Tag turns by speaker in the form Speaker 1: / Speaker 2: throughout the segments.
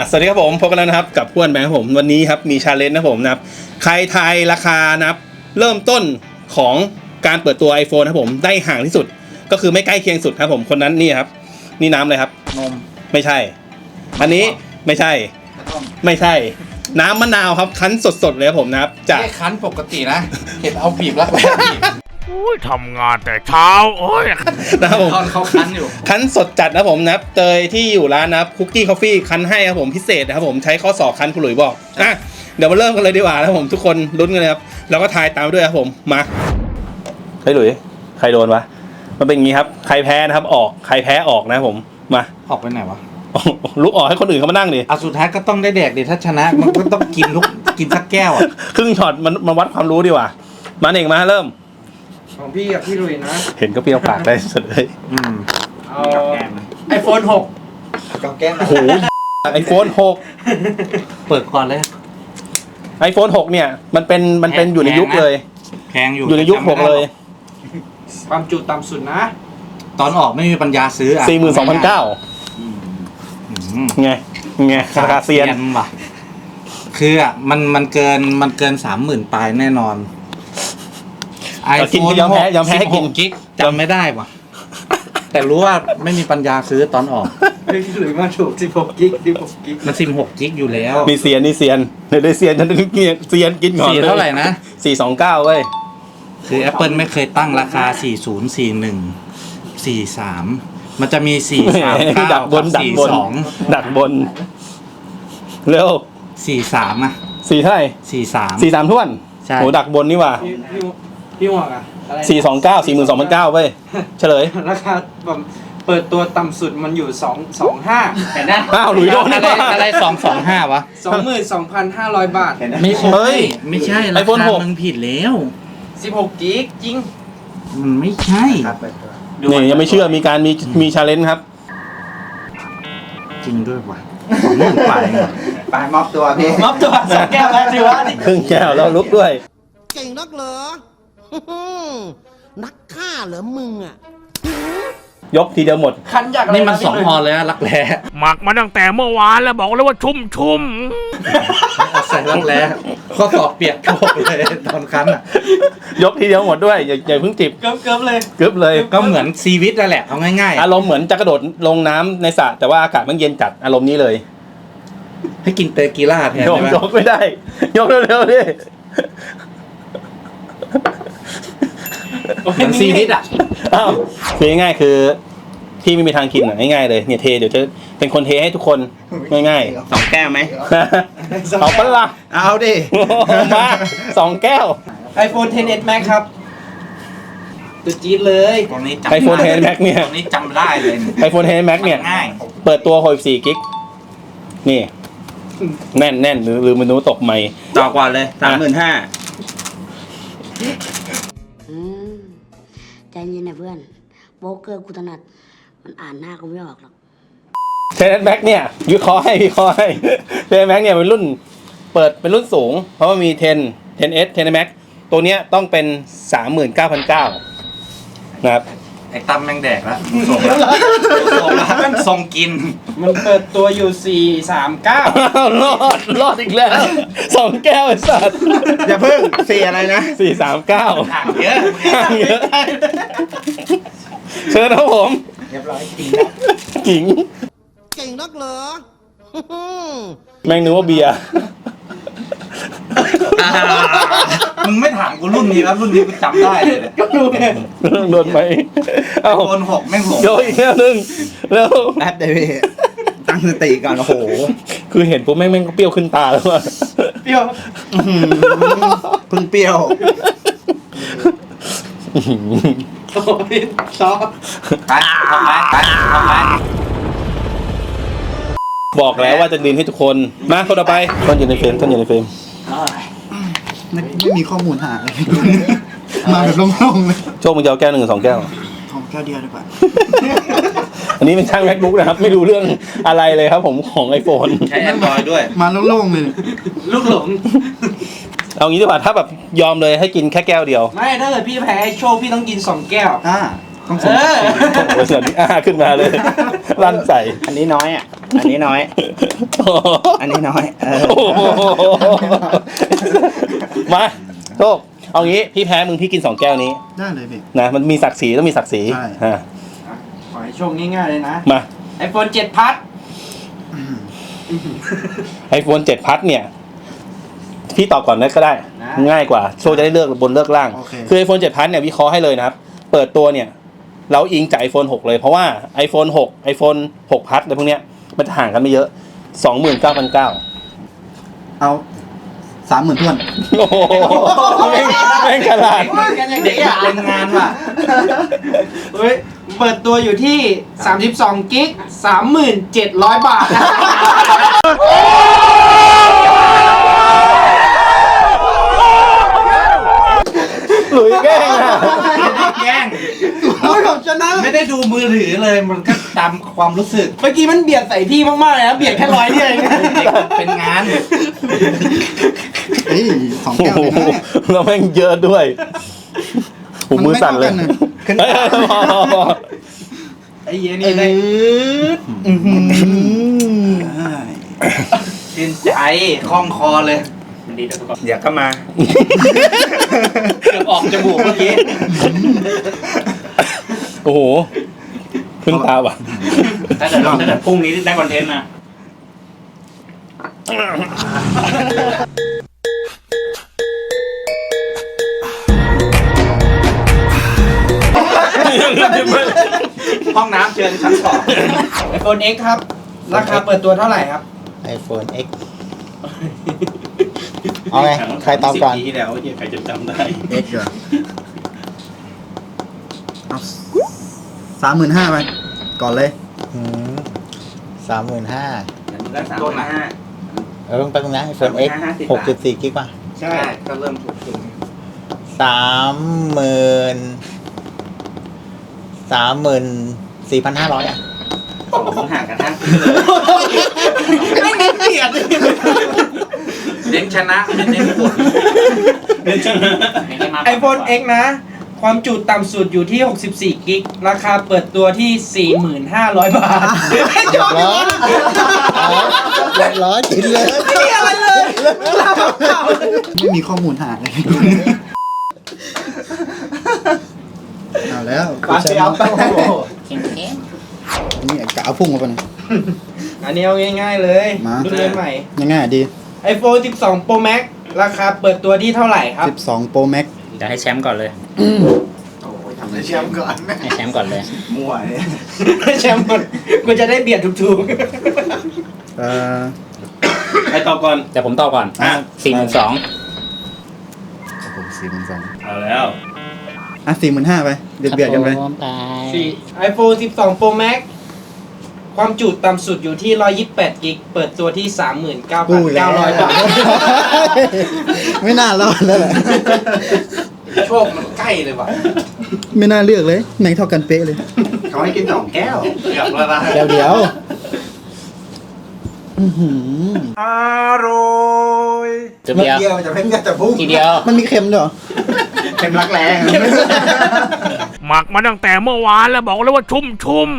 Speaker 1: สวัสดีครับผมพบกันแล้วนะครับกับพ้วนแบงค์ผมวันนี้ครับมีชาเลนจ์นะผมนะครับใครทายราคานะครับเริ่มต้นของการเปิดตัว iPhone นะครับผมได้ห่างที่สุดก็คือไม่ใกล้เคียงสุดครับผมคนนั้นนี่ครับนี่น้ำเลยครับ
Speaker 2: นม
Speaker 1: ไม่ใช่อันนี้ไม่ใช่ไม่ใช่น้ำมะนาวครับคั้นสดๆเลยครับผมนะครับจาก
Speaker 2: คั้นปกตินะเห็นเอาบีบแล้ว
Speaker 3: ทำงานแต่เช้าโอ้ย
Speaker 1: นะครับผม
Speaker 2: เขาคั้นอยู่
Speaker 1: คั้นสดจัดนะผมนะครับเตยที่อยู่ร้านนะครับคุกกี้คอฟฟี่คั้นให้ครับผมพิเศษนะครับผมใช้ข้อศอกคั้นคุณหลุยบอกเดี๋ยวมาเริ่มกันเลยดีกว่านะครับผมทุกคนลุ้นกันเลยครับแล้วก็ทายตามด้วยครับผมมาเฮ้ยหลุยใครโดนวะมันเป็นอย่างนี้ครับใครแพ้นะครับออกใครแพ้ออกนะผมมา
Speaker 2: ออกไปไหนวะ
Speaker 1: ลุกออกให้คนอื่นเขามานั่งดิ
Speaker 2: สุดท้ายก็ต้องได้แดกดิถ้าชนะมันก็ต้องกินสักแก้ว
Speaker 1: ครึ่งช็อตมันวัดความรู้ดีกว่ามาเองมาเริ่ม
Speaker 4: ของพี่กับพี่ลุยนะ
Speaker 1: เห็นก็เปรี้ยวปากได้สุดเลย
Speaker 4: เอาiPhone 6กับแก้ม
Speaker 1: โอ้โหiPhone 6
Speaker 2: เปิดก่อนเลย
Speaker 1: iPhone 6เนี่ยมันเป็นอยู่ในยุคเลย
Speaker 2: แพง
Speaker 1: อยู่ในยุค6เลย
Speaker 4: ความจุต่ำสุดนะ
Speaker 2: ตอนออกไม่มีปัญญาซื้อ
Speaker 1: 42,900ไงราคาเซียน
Speaker 2: ว่ะคือมันเกิน 30,000 ปลายแน่นอน
Speaker 1: iPhone ยอมแพ้ให้กิน
Speaker 2: กิกจำไม่ได้ว่ะแต่รู้ว่าไม่มีปัญญาซื้อตอนออก
Speaker 4: หรือมาถูก16 กิก
Speaker 2: มัน16 กิกอยู่แล้ว
Speaker 1: มีเซียนเดี๋ยวได้เซียนฉันเซียนกินก่อน
Speaker 2: เท่าไหร่นะ
Speaker 1: 429เว้ย
Speaker 2: คือ Apple ไม่เคยตั้งราคา40 41 43มันจะมี439
Speaker 1: ดักบนเร็ว
Speaker 2: 43อ่ะ
Speaker 1: 4เท่าไหร่43ท้วนโหดักบนนี่ว่ะ
Speaker 4: พี่หวังอะ
Speaker 1: 42,900เว้ยเฉลย
Speaker 4: ราคาแบบเปิดตัวต่ำสุดมันอยู่225
Speaker 2: เห็นนะ
Speaker 1: หลุยโดน
Speaker 2: อะไร225วะ
Speaker 4: 22,500 บาท
Speaker 2: ไม่ใช่ราคามึงผิดแล้ว
Speaker 4: 16 กิกจริง
Speaker 2: มันไม่ใช่
Speaker 1: นี่ยังไม่เชื่อมีชาเลนจ์ครับ
Speaker 2: จริงด้วยว่ะ20,000
Speaker 4: ไปมอบตัวพี่มอบตัว2 แก้วแล้วสิวะ
Speaker 1: ครึ่งแก้วแล้วลุกด้วย
Speaker 5: เก่งนักเหรอนักฆ่าเหรอมึงอ่ะ
Speaker 1: ยกทีเดียวหมด
Speaker 4: คันอยาก
Speaker 2: นี่มัน2 พอเลยอะรักแร้
Speaker 3: หมักมาตั้งแต่เมื่อวานแล้วบอกเลยว่าชุ่ม
Speaker 2: ใส่รักแร้ข้อศอกเปียกกระบอกเลยตอนคันอ่ะ
Speaker 1: ยกทีเดียวหมดด้วยอย่าเพิ่งจิบ
Speaker 4: เกิบ
Speaker 1: เลย
Speaker 2: ก็เหมือนชีวิตนั่นแหละเอาง่าย
Speaker 1: ๆอารมณ์เหมือนจะกระโดดลงน้ำในสระแต่ว่าอากาศมันเย็นจัดอารมณ์นี้เลย
Speaker 2: ให้กินเตกีล่าแทนได้ไหม
Speaker 1: ยกไม่ได้ยกเร็วๆดิ
Speaker 2: เหมือนชีวิตอ่ะ
Speaker 1: คือง่ายๆคือพี่ไม่มีทางกินง่ายๆเลยเนี่ยเทเดี๋ยวจะเป็นคนเทให้ทุกคนง่าย
Speaker 4: ๆ2 แก้วไหม
Speaker 1: เอาปะล่ะ
Speaker 4: เอาดิ
Speaker 1: มา2 แก้ว
Speaker 4: iPhone XS Max ครับตัวจี๊ดเลย
Speaker 2: ตรงนี้
Speaker 1: iPhone XS Max เนี่ย
Speaker 2: ตรงนี้จำได้เลย
Speaker 1: iPhone XS Max เนี่ยเปิดตัว64 กิกนี่แน่นหรือมันนู้ตกใหม่
Speaker 4: ต่อกว่าเลย35,000
Speaker 5: ใจเย็นนะเพื่อนโป๊กเกอร์กูถนัดมันอ่านหน้ากูไม่ออกหรอก
Speaker 1: XS Max เนี่ยวิเคราะห์ให้XS Max เนี่ยเป็นรุ่นเปิดเป็นรุ่นสูงเพราะว่ามี10S 10 Max ตัวเนี้ยต้องเป็น 39,900 นะครับ
Speaker 2: ไอ้ตั้มแม่งแดกแล้วส่งกิน
Speaker 4: มันเปิดตัวอยู่439
Speaker 1: รอดอีกแล้ว2 แก้วไอ้สัตว์
Speaker 4: อย่าเพิ่ง4อะไรนะ
Speaker 1: 439
Speaker 2: ห่างเยอะ
Speaker 1: เชิญครับผม
Speaker 4: เรียบร้อย
Speaker 1: กิ่ง
Speaker 5: เก่งนักเหรอ
Speaker 1: แม่งนึกว่าเบียร์
Speaker 2: มึงไม่ถามกูรุ่นนี้แล้วรุ่นนี้กูจำได้เลย
Speaker 1: โดนไหม
Speaker 2: โดน6แม่ง6
Speaker 1: โยอีกแล้วนึงแล้ว
Speaker 4: แป๊บเดียวพี่ตั้งสติก่อนโอ้โห
Speaker 1: คือเห็นปุ๊บแม่งก็เปรี้ยวขึ้นตาแล้วว่ะ
Speaker 4: เปรี้ยวเพิ่งเปรี้ยวโอ้ยชอบ
Speaker 2: ไปทำไม
Speaker 1: บอกแล้วว่าจะดินให้ทุกคนมาคนต่อไปต้นอยู่ในเฟรม
Speaker 4: ไม่มีข้อมูลหาเลยมาแบบโล่งๆเลย
Speaker 1: โชคมึงจะเอาแก้ว1 หรือ2 แก้ว
Speaker 4: ของแก้วเดียวดีกว่า
Speaker 1: อันนี้เป็นช่าง MacBook นะครับไม่รู้เรื่องอะไรเลยครับผมของ iPhone
Speaker 2: ใช้ Android ด้วย
Speaker 4: มาโล่งๆเลยลูกหลง
Speaker 1: เอางี้ดีกว่าถ้าแบบยอมเลยให้กินแค่แก้วเดียว
Speaker 4: ไม่ถ้าเกิดพี่แพ้โชคพี่ต้องกิน2 แก้ว
Speaker 1: ต้องส่งขึ้นมาเลยลั่นใส่
Speaker 4: อันนี้น้อยอ่ะ
Speaker 2: อันนี้น้อย อันนี้น้อย
Speaker 1: โอ้โหมาโชคเอางี้พี่แพ้มึงพี่กิน2 แก้วนี้
Speaker 6: ได้เลยพี่
Speaker 1: นะมันมีศักดิ์ศรีต้องมีศักดิ์ศรี
Speaker 6: ใช่
Speaker 1: อ่ะ
Speaker 4: ขอให้โชคง่ายๆเลยนะ
Speaker 1: มา
Speaker 4: iPhone 7 พัด
Speaker 1: iPhone 7 พัดเนี่ย พี่ตอบก่อนนะก็ได้
Speaker 4: นะ
Speaker 1: ง่ายกว่าโชคจะได้เลือกบนเลือกล่าง
Speaker 6: โอเค
Speaker 1: คือ iPhone 7 พัดเนี่ยวิเคราะห์ให้เลยนะครับ เปิดตัวเนี่ย เราอิงจาก iPhone 6 เลยเพราะว่า iPhone 6 iPhone 6 พัดอะไรพวกเนี้ยมันจะห่างกันไม่เยอะ 29,900
Speaker 6: เอา30,000ท้วน
Speaker 1: โอ้โหแม่งฉลาด
Speaker 2: เด็กเป็นงานว่ะ
Speaker 4: เฮ้ย เปิดตัวอยู่ที่ 32 กิก 37,000 บาทนะ
Speaker 1: หลุยแกล้งอ่ะ
Speaker 2: แกล้ง
Speaker 6: โอ้ยผมชนะ
Speaker 2: ไม่ได้ดูมือถือเลย มันก็ตามความรู้สึก
Speaker 4: เมื่อกี้มันเบียดใส่พี่มากๆเลยนะ เบียดแค่100เนี่ยเองนะ
Speaker 2: เด็กเป็นงาน
Speaker 6: เฮ้ย2 แก้ว
Speaker 1: โอ้
Speaker 6: เลย
Speaker 1: โห
Speaker 6: นะ
Speaker 1: แล้วแม่งเยอะด้วยหูมือสั่นเลย
Speaker 6: มันไม่เท่ากันนะขึ้น
Speaker 1: เฮ้ยพอ
Speaker 2: ไอ้เหี้ยนี่ได้ชื่นใจคล่องคอเลยอยากก็มาเกือบออกจมูกเมื่อกี้
Speaker 1: โอ้โหขึ้นตาว่ะ
Speaker 2: ถ้าเกิดพรุ่งนี้ได้คอนเทนต์นะ ห้องน้ำเชิญชั้นสอง
Speaker 4: iPhone X ครับ ราคาเปิดตัวเท่าไหร่ครับ
Speaker 7: iPhone X เอาไงใครตอบก่อน
Speaker 2: 10 ปีที่แล้วใครจะจำได้
Speaker 6: X เหรอเอา35,000ไปก่อนเลย
Speaker 7: 35,000
Speaker 2: ต้นละ
Speaker 7: เพิ่งแป๊บนึงนะ iPhone X 6.4 กิกป่ะ
Speaker 2: ใช่ก็เริ่มถูก
Speaker 7: 34,500 อ่ะ
Speaker 2: ผมห่างกันทั้งไม่เกลียดเน้นชนะไม่เน้นผลเน้นชนะ
Speaker 4: iPhone X นะ ความจุต่ำสุดอยู่ที่ 64 กิก ราคาเปิดตัวที่ 4,500 บาท
Speaker 7: เรียบร้อยเรียบร้อยกินเลย
Speaker 6: ไม่มีข้อมูลหาเลยเอาแล้ว
Speaker 4: ปาเซียว
Speaker 6: นี่กะเอาพุ่งมาปะเนี่ย
Speaker 4: อันนี้เอาง่ายๆเลย
Speaker 6: มา
Speaker 4: รุ่นใหม่
Speaker 6: ง่ายๆดี
Speaker 4: iPhone 12 Pro Max ราคาเปิดตัวที่เท่าไหร่ครับ
Speaker 6: 12 Pro Max
Speaker 8: เดี๋ยวให้แชมป์ก่อนเลย
Speaker 6: ทำเลยแชมป์ก่อน
Speaker 8: ให้แชมป์ก่อนเลย
Speaker 6: มั่วเนี่ย
Speaker 4: แชมป์หมดกูจะได้เบียดถูก
Speaker 1: ใครตอบก่อน
Speaker 8: แต่ผมตอบก่อน
Speaker 1: อ่ะ
Speaker 8: 42,000
Speaker 6: ผม42,000
Speaker 1: เอาแล้ว
Speaker 6: อ่ะ45,000ไปเบียดกันไป
Speaker 4: ๆ iPhone 12 Pro Max ความจุต่ำสุดอยู่ที่ 128 กิก เปิดตัวที่ 39,900 บาท
Speaker 6: ไม่น่ารอดแล้วแหละ
Speaker 2: โชคมันใกล้เลยว่ะ
Speaker 6: ไม่น่าเลือกเลยแม่งเท่ากันเป๊ะเลย
Speaker 2: เขาให้กิน2 แก้วเกือบแล้วนะ
Speaker 6: เดี๋ยว
Speaker 8: จุดเดียว
Speaker 2: จะเพ่งจะพุ่ง
Speaker 8: ทีเดียว
Speaker 6: มันมีเค็มด้วยเหรอ
Speaker 2: เข็มรักแรง
Speaker 3: หมักมาตั้งแต่เมื่อวานแล้วบอกเลยว่าชุ่ม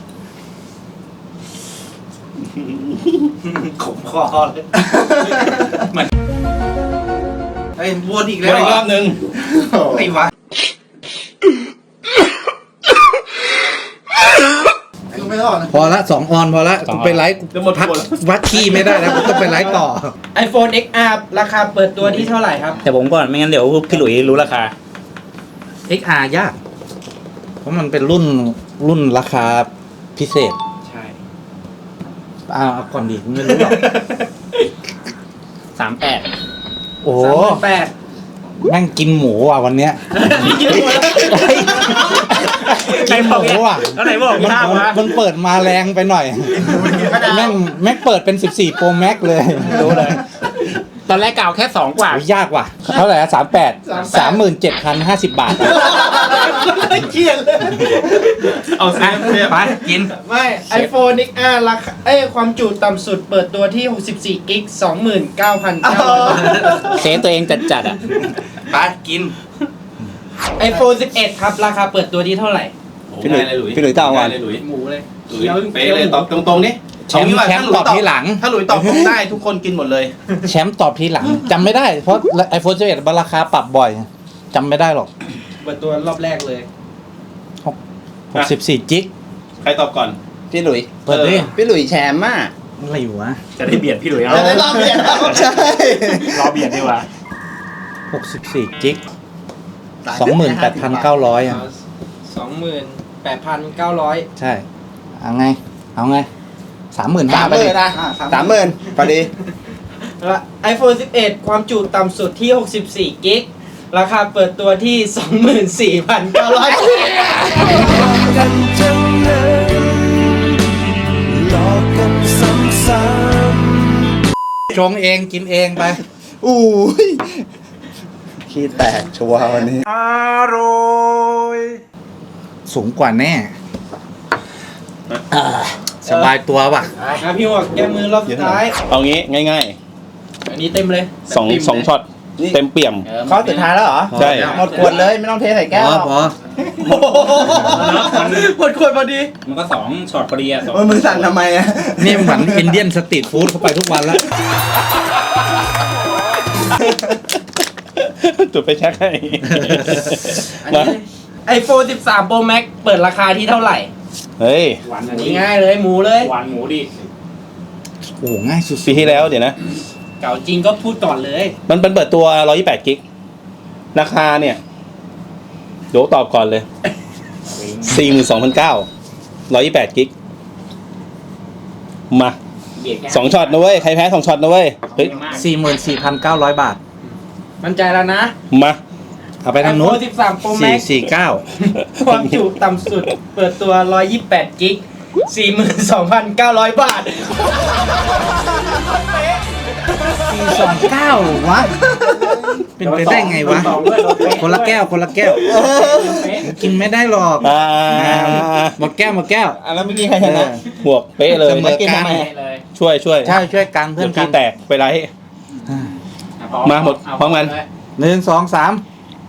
Speaker 2: ขมคอเลยเหมือนไอ้วนอีกแล้ว
Speaker 1: อีกรอบนึง
Speaker 2: ไอ้วะ
Speaker 6: ไม่รอดนะ
Speaker 2: พอละ2 ออนพอละกูไปไลฟ์
Speaker 1: จะหมด
Speaker 2: พัก
Speaker 1: หมด
Speaker 2: วัดขี้ไม่ได้แล้วกูต้องไปไลฟ์ต่อ
Speaker 4: iPhone XR ราคาเปิดตัวที่เท่าไหร่ครับ
Speaker 8: แต่ผมก่อนไม่งั้นเดี๋ยวพี่หลุยรู้ราคา
Speaker 2: XR ยาก เพราะมันเป็นรุ่นราคาพิเศษ
Speaker 4: ใช่
Speaker 2: เอาก่อนดิไม่รู้หรอก
Speaker 8: 38
Speaker 2: โอ้โห
Speaker 4: 38,000
Speaker 2: แม่งกินหมูว่ะวันเนี้ย กินหมูว่ะ
Speaker 8: แล้วไหนบอกมีห้าวะ
Speaker 2: มันเปิดมาแรงไปหน่อย แม่งเปิดเป็น14 Pro Max เลย
Speaker 8: รู้เลย ตอนแรกกล่าวแค่ 2 กว่า
Speaker 2: โอ้ยยากว่ะ เท่าไหร่อะ38 37,050 บาท
Speaker 4: เขียนเลย
Speaker 1: เอาซิ
Speaker 2: ไปกิน
Speaker 4: ไม่ iPhone XR ราคาความจุต่ำสุดเปิดตัวที่ 64 กิก 29,900 บาท
Speaker 8: เซฟตัวเองจัดๆอ่ะ
Speaker 2: ไปกิน
Speaker 4: iPhone 11 ครับ ราคาเปิดตัวที่เท่าไหร่
Speaker 1: พี่หลุย
Speaker 6: พี่หลุยเก้าวัน
Speaker 1: เลยหลุย
Speaker 4: หมูเลย
Speaker 1: หลุยเป๊ะเลยตอบตรงๆนี่
Speaker 2: แชมป์
Speaker 1: เอางี้ว่า
Speaker 2: แชมป์ตอบทีหลัง
Speaker 1: ถ้าหลุยตอบผมได้ทุกคนกินหมดเลย
Speaker 2: แชมป์ตอบทีหลังจำไม่ได้เพราะ iPhone 11ราคาปรับบ่อยจำไม่ได้หรอก
Speaker 4: เปิดตัวรอบแรกเลย
Speaker 2: 64จิก
Speaker 1: ใครตอบก่อน
Speaker 7: พี่หลุย
Speaker 2: เปิดดิ
Speaker 7: พี่หลุยแชมป์อ่ะ
Speaker 2: อะไรวะ
Speaker 8: จะได้เบียดพี่หลุยเอา
Speaker 7: จะได้รอบเดียวใช่
Speaker 8: รอเบียดดีกว่า
Speaker 2: 64จิก 28,900 อ่ะ
Speaker 4: 28,900
Speaker 2: ใช่ เอาไง 35,000
Speaker 7: 30,000
Speaker 2: ไปดิ
Speaker 7: นะ30,000พอดี
Speaker 4: แล้ว iPhone 11 ความจุต่ำสุดที่ 64 กิก ราคาเปิดตัวที่ 24,900
Speaker 2: ชงเองกินเองไป
Speaker 7: อู้ยขี้แตกชัวร์วันนี้
Speaker 2: สูงกว่าแน่สบายตัวว่ะ
Speaker 4: นะพี่หมวกแก้มือรอบสุดท้าย
Speaker 1: เอางี้ง่าย
Speaker 4: อันนี้เต็มเลย
Speaker 1: ๆสองช็อต
Speaker 7: นี่
Speaker 1: เต็มเปี่ยม
Speaker 7: ข้อสุดท้ายแล้วเหรอ
Speaker 1: ใช่
Speaker 7: หมดขวดเลยไม่ต้องเทใส่แก้ว
Speaker 2: พอ
Speaker 4: หมดขวดพอดี
Speaker 8: มันก็2ช็อตพอดีอ่ะ
Speaker 7: โอ้ยมือสั่นทำไมอ่ะ
Speaker 2: นี่เหมือนอินเดียนสตรีทฟู้ดเข้าไปทุกวันแล้ว
Speaker 1: จุดไปแช็คให้
Speaker 4: อันนี้ iPhone 13 Pro Max เปิดราคาที่เท่าไหร่
Speaker 1: เฮ้ย
Speaker 8: หวาน
Speaker 4: อันนี้ง่ายเลยหมูเลย
Speaker 8: หวานหมูดิ
Speaker 2: โอ้ง่ายสุด
Speaker 1: ปีที่แล้วเดี๋ยวนะ
Speaker 4: เก่าจริงก็พูดก่อนเลย
Speaker 1: มันเป็นเปิดตัว 128 กิก ราคาเนี่ยเดี๋ยวตอบก่อนเลย 42,900 128 กิก มา
Speaker 8: เบียดแค่
Speaker 1: 2 ช็อตนะเว้ย ใครแพ้ 2 ช็อตนะเว้ย เฮ้ย
Speaker 2: 44,900 บาท
Speaker 4: มั่นใจแล้วนะ
Speaker 1: มา
Speaker 2: เอาไปทางนู้น
Speaker 4: iPhone 13 Pro Max
Speaker 2: 449
Speaker 4: ความจุต่ำสุด เปิดตัว 128 กิก 42,900 บาท
Speaker 2: 429วะ เป็นไปได้ไงวะ คนละแก้ว กินไม่ได้หรอก หมดแก้ว
Speaker 1: แล้วเมื่อกี้ใครชนะบวกเป๊ะเลย
Speaker 2: เสมอกัน
Speaker 8: เลย
Speaker 1: ช่วย
Speaker 2: ใช่ช่วยกันเพื่
Speaker 1: เพื่
Speaker 2: อ
Speaker 1: อน น
Speaker 2: กั
Speaker 1: ที่
Speaker 2: น
Speaker 1: แตกไปไร มาหมดพร้อมกัน
Speaker 2: 1 2 3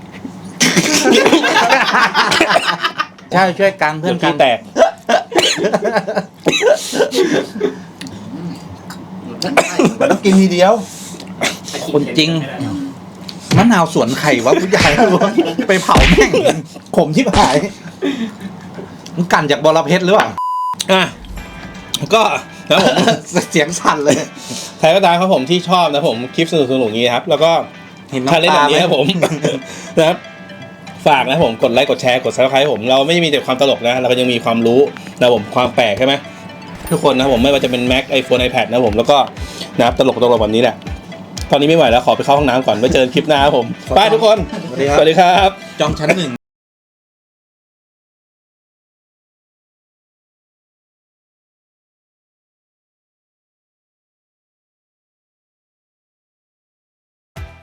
Speaker 2: ใช่ช่วยกันเพื่
Speaker 1: เพื่
Speaker 2: อ
Speaker 1: อน น
Speaker 2: กัน
Speaker 1: ที่แตก
Speaker 7: มันต้องกินทีเดียว
Speaker 2: คนจริงมะนาวสวนไข่วะผู้ใหญ่ไปเผาแม่งขมที่หายมันกันจากบอระเพ็ดหรือเปล่า
Speaker 1: อ่ะ ก็แล้วผม
Speaker 2: เสียงสั่นเลย
Speaker 1: ใครก็ตามครับผมที่ชอบนะผมคลิปสนุกๆอย่างนี้ครับ แล้วก็
Speaker 2: เห็น
Speaker 1: ถ้าเล่น
Speaker 2: น้ำ
Speaker 1: แบ
Speaker 2: ตา
Speaker 1: บนี้ครับผม นะครับ ฝากนะครับผมกดไลค์กดแชร์กด subscribe ผมเราไม่ได้มีแต่ความตลกนะเราก็ยังมีความรู้นะผมความแปลกใช่ไหมทุกคนนะครับผมไม่ว่าจะเป็น Mac iPhone iPad นะผมแล้วก็นะครับตลกแบบนี้แหละตอนนี้ไม่ไหวแล้วขอไปเข้าห้องน้ำก่อนไว้เจอกันคลิปหน้าครับผมบายทุกคน
Speaker 2: สวัสดีครับ
Speaker 1: สวัสดีครับ
Speaker 2: จองชั้น 1